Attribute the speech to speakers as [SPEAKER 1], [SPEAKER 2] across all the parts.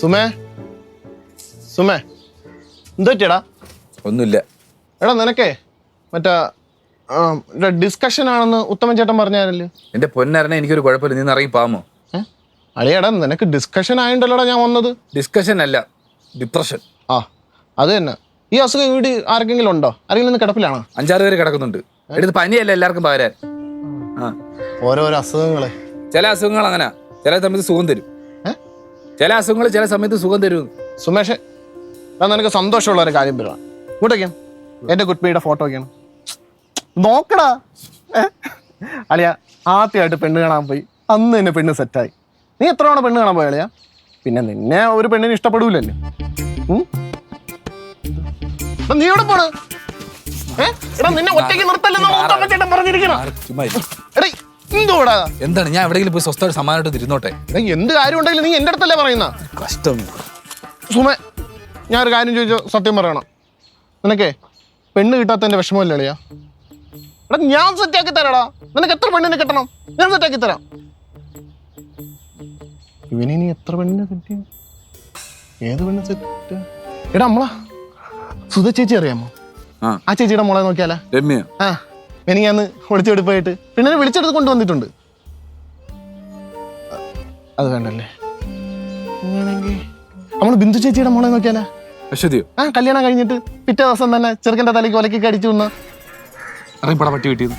[SPEAKER 1] സുമേ സുമേ എന്ത് പറ്റിയടാ?
[SPEAKER 2] ഒന്നുമില്ല.
[SPEAKER 1] എടാ നിനക്കേ മറ്റേ ഡിസ്കഷൻ ആണെന്ന് ഉത്തമൻ ചേട്ടൻ പറഞ്ഞാലല്ലോ.
[SPEAKER 2] എന്റെ പൊന്നറിനെ എനിക്കൊരു കുഴപ്പമില്ല, നീ ഇറങ്ങി പാമോ?
[SPEAKER 1] അളിയടാ നിനക്ക് ഡിസ്കഷൻ ആയിട്ടല്ലോടാ ഞാൻ വന്നത്.
[SPEAKER 2] ഡിസ്കഷൻ അല്ല, ഡിപ്രഷൻ.
[SPEAKER 1] ആ അത് തന്നെ. ഈ അസുഖം വീട് ആർക്കെങ്കിലും ഉണ്ടോ? ആരെങ്കിലും കിടപ്പിലാണോ?
[SPEAKER 2] 5-6 പേര് കിടക്കുന്നുണ്ട്. എടുത്ത് പനിയല്ല എല്ലാവർക്കും പകരാൻ.
[SPEAKER 1] ഓരോരോ അസുഖങ്ങളെ.
[SPEAKER 2] ചില അസുഖങ്ങൾ അങ്ങനെ ചില സമയത്ത് സുഖം തരും. ചില അസുഖങ്ങൾ ചില സമയത്ത് സുഖം തരും.
[SPEAKER 1] സുമേഷ് നിനക്ക് സന്തോഷമുള്ള ഒരു കാര്യം പറയാം. ഇങ്ങോട്ടേക്കാണ് എന്റെ കുട്ടിയുടെ ഫോട്ടോ ഒക്കെയാണ് നോക്കടാ. അളിയ ആദ്യമായിട്ട് പെണ്ണ് കാണാൻ പോയി, അന്ന് തന്നെ പെണ്ണ് സെറ്റായി. നീ എത്ര തവണ പെണ്ണ് കാണാൻ പോയ അളിയ? പിന്നെ നിന്നെ ഒരു പെണ്ണിന് ഇഷ്ടപ്പെടൂലല്ലേ? നീ എവിടെ പോണ്? നിന്നെ ഒറ്റയ്ക്ക് നിർത്തല്ലെന്ന് പറഞ്ഞിരിക്കണം.
[SPEAKER 2] എന്താണ് ഞാൻ എവിടെയെങ്കിലും പോയി സ്വസ്ഥമായിട്ട് സമാനമായിട്ട് ഇരുന്നോട്ടെ.
[SPEAKER 1] എന്ത് കാര്യം ഉണ്ടെങ്കിലും നീ എന്റെ അടുത്തല്ലേ പറയുന്ന?
[SPEAKER 2] കഷ്ടം.
[SPEAKER 1] സുമേ ഞാനൊരു കാര്യം ചോദിച്ചോ, സത്യം പറയണം. നിനക്കേ പെണ്ണ് കിട്ടാത്തതിന്റെ വിഷമമല്ലേ അളിയാ? എടാ ഞാൻ സെറ്റാക്കി തരാടാ. നിനക്ക് എത്ര പെണ്ണിനെ കിട്ടണം ഞാൻ സെറ്റാക്കി തരാം. ഇവനെ നീ എത്ര പെണ്ണിനെ കിട്ടിയ? ഏത് പെണ്ണ് സെറ്റ്? എടാ നമ്മളാ സുധ ചേച്ചി അറിയാമോ? ആ ചേച്ചിയുടെ മോളെ നോക്കിയാലാ?
[SPEAKER 2] രമ്യ.
[SPEAKER 1] ആ എനിക്കന്ന് ഒളിച്ചെടുപ്പായിട്ട് പെണ്ണിനെ വിളിച്ചെടുത്ത് കൊണ്ടുവന്നിട്ടുണ്ട്. അത് വേണ്ടല്ലേ? അങ്ങനെയാണെങ്കിൽ നമ്മള് ബിന്ദു ചേച്ചിയുടെ മോളെ നോക്കിയാലാ?
[SPEAKER 2] അശ്വതിയോ?
[SPEAKER 1] ആ കല്യാണം കഴിഞ്ഞിട്ട് പിറ്റേ ദിവസം തന്നെ ചെറുക്കൻ്റെ തലയ്ക്ക് ഒലക്കി അടിച്ചു വന്ന
[SPEAKER 2] പട്ടി കിട്ടിയത്.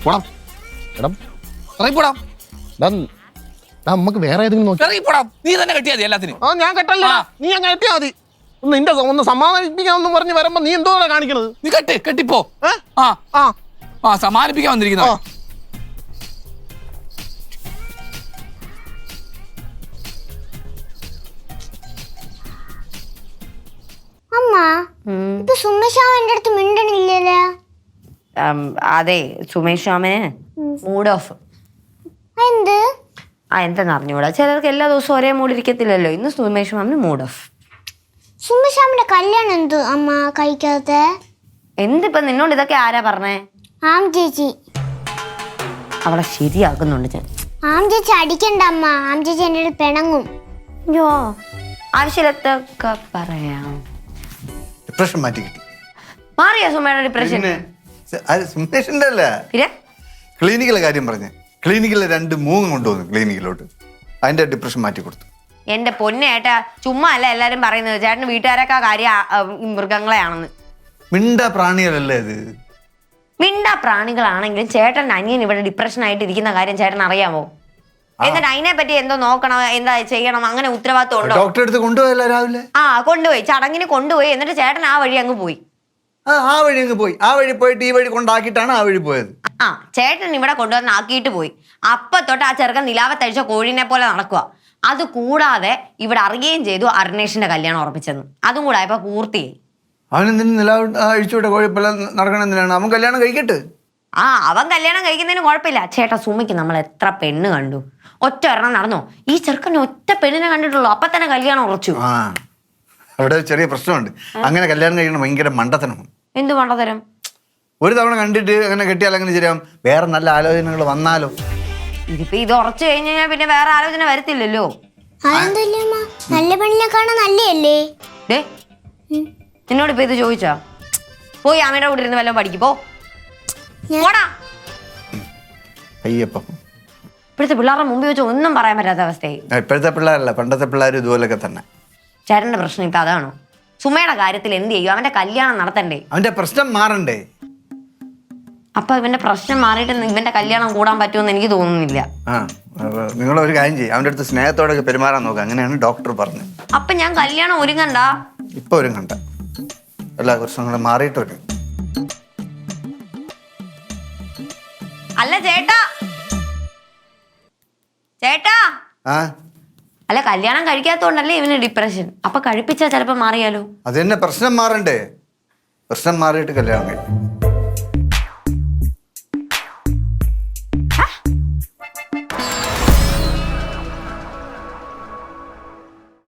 [SPEAKER 1] നമുക്ക് വേറെ ഏതെങ്കിലും നോക്കി.
[SPEAKER 2] നീ തന്നെ കെട്ടിയാ മതി എല്ലാത്തിനും.
[SPEAKER 1] ആ ഞാൻ കെട്ടല്ല, നീ അങ്ങ് കെട്ടിയാ മതി. നിന്റെ ഒന്ന് സമാധാനിപ്പിക്കാന്ന് പറഞ്ഞ് വരുമ്പോ നീ എന്തോ കാണിക്കണത്?
[SPEAKER 2] നീ കെട്ടിപ്പോ. സമാനിപ്പിക്കാൻ വന്നിരിക്കുന്ന
[SPEAKER 3] അമ്മ ഇപ്പൊ സുമേഷ് എന്റെ അടുത്ത് മിണ്ടണില്ലല്ലോ.
[SPEAKER 4] അതെ സുമേഷ് മാമന് മൂഡ് ഓഫ്.
[SPEAKER 3] എന്ത്?
[SPEAKER 4] എന്തെന്ന് അറിഞ്ഞൂടാ, ചിലർക്ക് എല്ലാ ദിവസവും ഒരേ മൂഡ് ഇരിക്കത്തില്ലല്ലോ. ഇന്ന് സുമേഷ് മാമന് മൂഡ് ഓഫ്.
[SPEAKER 3] സുമേഷ് മാമന്റെ കല്യാണം എന്ത് അമ്മ കഴിക്കാത്ത?
[SPEAKER 4] എന്തിപ്പോ നിന്നോട് ഇതൊക്കെ ആരാ പറഞ്ഞേ?
[SPEAKER 3] ആം ചേച്ചി.
[SPEAKER 4] അവളെ ശരിയാക്കുന്നുണ്ട് ഞാൻ.
[SPEAKER 3] ആം ചേച്ചി അടിക്കണ്ട അമ്മ, ആം ചേച്ചി എന്റെ അടുത്ത് പിണങ്ങും.
[SPEAKER 4] അയ്യോ ആവശ്യത്തൊക്കെ പറയാം.
[SPEAKER 5] ഡിപ്രഷൻ മാറ്റി കിട്ടി.
[SPEAKER 4] മാറിയോ സുമയുടെ ഡിപ്രഷൻ?
[SPEAKER 5] സുമേഷിന്റെ അല്ല, ക്ലിനിക്കിലെ കാര്യം പറഞ്ഞേ. ക്ലിനിക്കിലെ 2 മൂങ്ങ കൊണ്ടുവന്നു ക്ലിനിക്കിലോട്ട്. അതിന്റെ ഡിപ്രഷൻ മാറ്റി കൊടുത്തു.
[SPEAKER 4] എന്റെ പൊന്നേട്ടാ ചുമ്മാ അല്ല എല്ലാരും പറയുന്നത് ചേട്ടന് വീട്ടുകാരൊക്കെ കാര്യം മൃഗങ്ങളെയാണെന്ന്.
[SPEAKER 5] മിണ്ട പ്രാണികളല്ലേ ഇത്?
[SPEAKER 4] മിണ്ട പ്രാണികളാണെങ്കിലും ചേട്ടൻ്റെ അനിയൻ ഇവിടെ ഡിപ്രഷൻ ആയിട്ട് ഇരിക്കുന്ന കാര്യം ചേട്ടൻ അറിയാമോ? എന്നിട്ട് അതിനെ പറ്റി എന്തോ നോക്കണം, എന്താ ചെയ്യണം, അങ്ങനെ ഉത്തരവാദിത്വം ഉണ്ടോ?
[SPEAKER 5] ഡോക്ടറെ അടുത്ത് കൊണ്ടുപോയല്ലോ രാവിലെ.
[SPEAKER 4] കൊണ്ടുപോയി, ചടങ്ങിന് കൊണ്ടുപോയി. എന്നിട്ട് ചേട്ടൻ ആ വഴി അങ്ങ് പോയി.
[SPEAKER 5] ആ വഴി അങ്ങ് പോയി. ആ വഴി പോയിട്ട് ഈ വഴി കൊണ്ടാക്കിയിട്ടാണ് ആ വഴി പോയത്.
[SPEAKER 4] ചേട്ടൻ ഇവിടെ കൊണ്ടുവന്ന് ആക്കിയിട്ട് പോയി. അപ്പൊ തൊട്ട് ആ ചെറുക്കൻ നിലാവത്തഴിച്ച കോഴിനെ പോലെ നടക്കുക. അത് കൂടാതെ ഇവിടെ അറിയുകയും ചെയ്തു അർണേഷിന്റെ കല്യാണം ഉറപ്പിച്ചെന്ന്. അതും കൂടെ ആയപ്പോ പൂർത്തിയായി.
[SPEAKER 5] അവനെന്തിനും നില അഴിച്ചുവിട്ട കോഴിപ്പല്ല നടക്കണം. എന്തിനാണ് അവൻ കല്യാണം കഴിക്കട്ടെ?
[SPEAKER 4] അവൻ കല്യാണം കഴിക്കുന്നതിന് കുഴപ്പമില്ല. ചേട്ടാ സുമയ്ക്ക് നമ്മൾ എത്ര പെണ്ണ് കണ്ടു, ഒറ്റ ഒരെണ്ണം നടന്നോ? ഈ ചെറുക്കന് ഒറ്റ പെണ്ണിനെ കണ്ടിട്ടുള്ളൂ, അപ്പൊ തന്നെ കല്യാണം ഉറച്ചു.
[SPEAKER 5] അവിടെ ചെറിയ പ്രശ്നമുണ്ട്. അങ്ങനെ കല്യാണം കഴിക്കണം ഭയങ്കര മണ്ടത്തനമാണ്.
[SPEAKER 4] എന്ത് മണ്ടത്തരം?
[SPEAKER 5] ഒരു തവണ കണ്ടിട്ട് അങ്ങനെ കെട്ടിയാൽ അങ്ങനെ ശരിയാവും. വേറെ നല്ല ആലോചനകൾ വന്നാലോ?
[SPEAKER 4] ഇതിപ്പോ ഇത് ഉറച്ചു കഴിഞ്ഞു കഴിഞ്ഞാൽ പിന്നെ വേറെ ആലോചന വരത്തില്ലല്ലോ.
[SPEAKER 3] നല്ല പെണ്ണിനെ കാണാൻ നല്ലയല്ലേ?
[SPEAKER 4] നിന്നോട് ഇപ്പൊ ഇത് ചോദിച്ചാ? പോയി അമ്മയുടെ കൂടെ ഇരുന്ന് വല്ലതും പഠിക്കും. പോടാ.
[SPEAKER 5] അയ്യപ്പം
[SPEAKER 4] ഇപ്പോഴത്തെ പിള്ളേരുടെ മുമ്പിൽ വെച്ച് ഒന്നും പറയാൻ പറ്റാത്ത അവസ്ഥയായി.
[SPEAKER 5] ഇപ്പോഴത്തെ പിള്ളേരല്ല, പണ്ടത്തെ പിള്ളേർ ഇതുപോലൊക്കെ തന്നെ.
[SPEAKER 4] ചേട്ടന്റെ പ്രശ്നം ഇപ്പൊ അതാണോ? സുമയുടെ കാര്യത്തിൽ എന്ത് ചെയ്യും? അവന്റെ കല്യാണം നടത്തണ്ടേ?
[SPEAKER 5] അവന്റെ പ്രശ്നം മാറണ്ടേ?
[SPEAKER 4] അപ്പൊ ഇവന്റെ പ്രശ്നം മാറിയിട്ട് ഇവന്റെ കല്യാണം കൂടാൻ പറ്റുമെന്ന് എനിക്ക് തോന്നുന്നില്ല.
[SPEAKER 5] നിങ്ങളൊരു കാര്യം ചെയ്യും, അവന്റെ അടുത്ത് സ്നേഹത്തോടെ പെരുമാറാൻ നോക്കുക. അങ്ങനെയാണ് ഡോക്ടർ പറഞ്ഞത്.
[SPEAKER 4] അപ്പൊ ഞാൻ കല്യാണം ഒരുങ്ങണ്ട?
[SPEAKER 5] ഇപ്പൊ ഒരുങ്ങണ്ട, എല്ലാ പ്രശ്നങ്ങളും മാറിയിട്ട് വരും.
[SPEAKER 4] അല്ല ചേട്ടാ, ചേട്ടാ അല്ല കല്യാണം കഴിക്കാത്തോണ്ടല്ലേ ഇവന് ഡിപ്രഷൻ. അപ്പൊ കഴിപ്പിച്ചാ ചിലപ്പോ മാറിയാലോ?
[SPEAKER 5] അത് തന്നെ, പ്രശ്നം മാറണ്ടേ? പ്രശ്നം മാറിയിട്ട് കല്യാണം കഴിക്കും.